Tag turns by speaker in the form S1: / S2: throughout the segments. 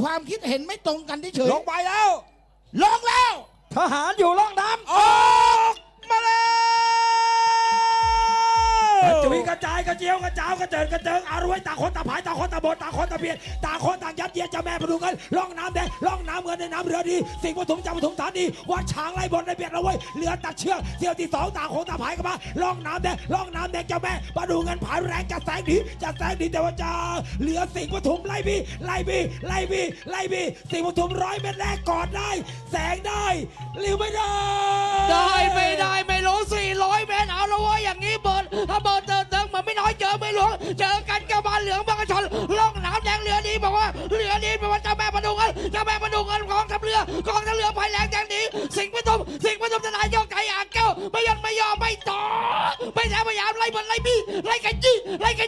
S1: ความคิดเห็นไม่ตรงกันเฉย
S2: ลงไปแล้ว
S1: ลงแล้ว
S3: ทหารอยู่ล่องน้ำ
S2: ออกมาแล้ว
S3: กระจุยกระจายกระเจียวกระเจ้ากระเจิดกระเจิงอารวยต่างคนต่างผายต่างคนต่างบนต่างคนต่างเบียดต่างคนต่างยัดเยียดเจ้าแม่ประดูเงินล่องน้ำแดงล่องน้ำเงินในน้ำเรือดีสิ่งปฐมจำปฐมฐานดีวัดช้างไล่บนในเบียดเราไว้เรือตัดเชือกเที่ยวที่2ต่างคนต่างผายกันมาล่องน้ำแดงล่องน้ำแดงเจ้าแม่ประดูเงินผายแรงจะแสงดีแต่ว่าจะเหลือสิ่งปฐมไล่บีสิ่งปฐม100 เมตรแรกกอดได้แสงได้หรือไม่ได้
S4: ได้ไม่รู้400 เมตรเอาละว่าอย่างนี้เบิร์ดถ้าเบิร์ดเติมเหมือนไม่น้อยเจอไม่หลวงเจอกันกับบานเหลืองบางกระชนล่องน้ำแดงเรือดีบอกว่าเรือดีบอกว่าเจ้าแม่ประดูเงินกองทัพเรือไฟแรงแดงดีสิงห์ปฐมทนายยกไก่อ่างแก้วไม่ยอมไม่ต่อไม่แถมพยายามไล่บนไล่บี้ไล่กันจี้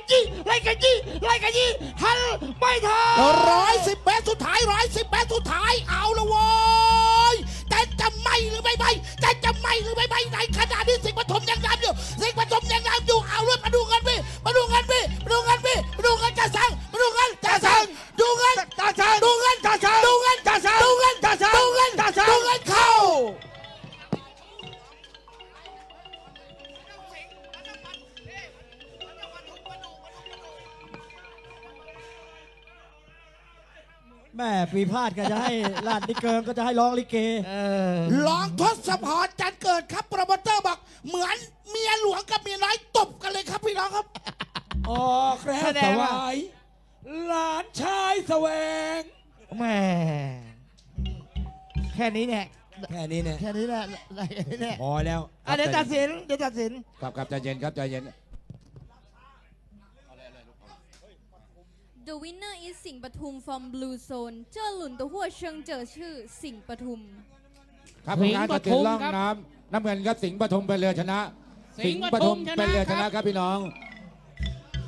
S4: ทันไม่ทัน
S1: 110 เมตรสุดท้าย110 เมตรสุดท้ายเอาละโว้ยแต่จะไม่หรือไม่ในขณะที่สิงห์ปฐมยังนำอยู่เอาเลยมาดูเงินพี่จะสั่งดูเงินเข้า
S3: แม่ปีพาดก็จะให้ลาดนิเกิงก็จะให้ร้องลิเก
S1: ร้องทศพรจันเกิดครับโปรโมเตอร์บอกเหมือนเมียหลวงกับเมียน้อยตบกันเลยครับพี่น้องครับ
S3: ออกแล้ว
S4: แสด
S3: ส
S4: งว่า
S3: วายหลานชายแสวง
S4: แม่แค่นี้เนี่ย
S3: แค่นี้เนี่ย
S4: แค่นี้แหละ
S3: พอแล้ว
S4: เดี๋ยวตัดสิน
S2: ครับใจเย็นครับใจเย็น
S5: The winner is สิงห์ปทุม from Blue Zone เจ้าหลุนตัวหัวเชิงเจอชื่อสิงห์ปทุม
S2: ครับผลงานตัดสินล่องน้ำน้ำเงินครับสิงห์ปฐมเป็นเรือชนะ สิงห์ปฐมเป็นเรือชนะครับพี่น้อง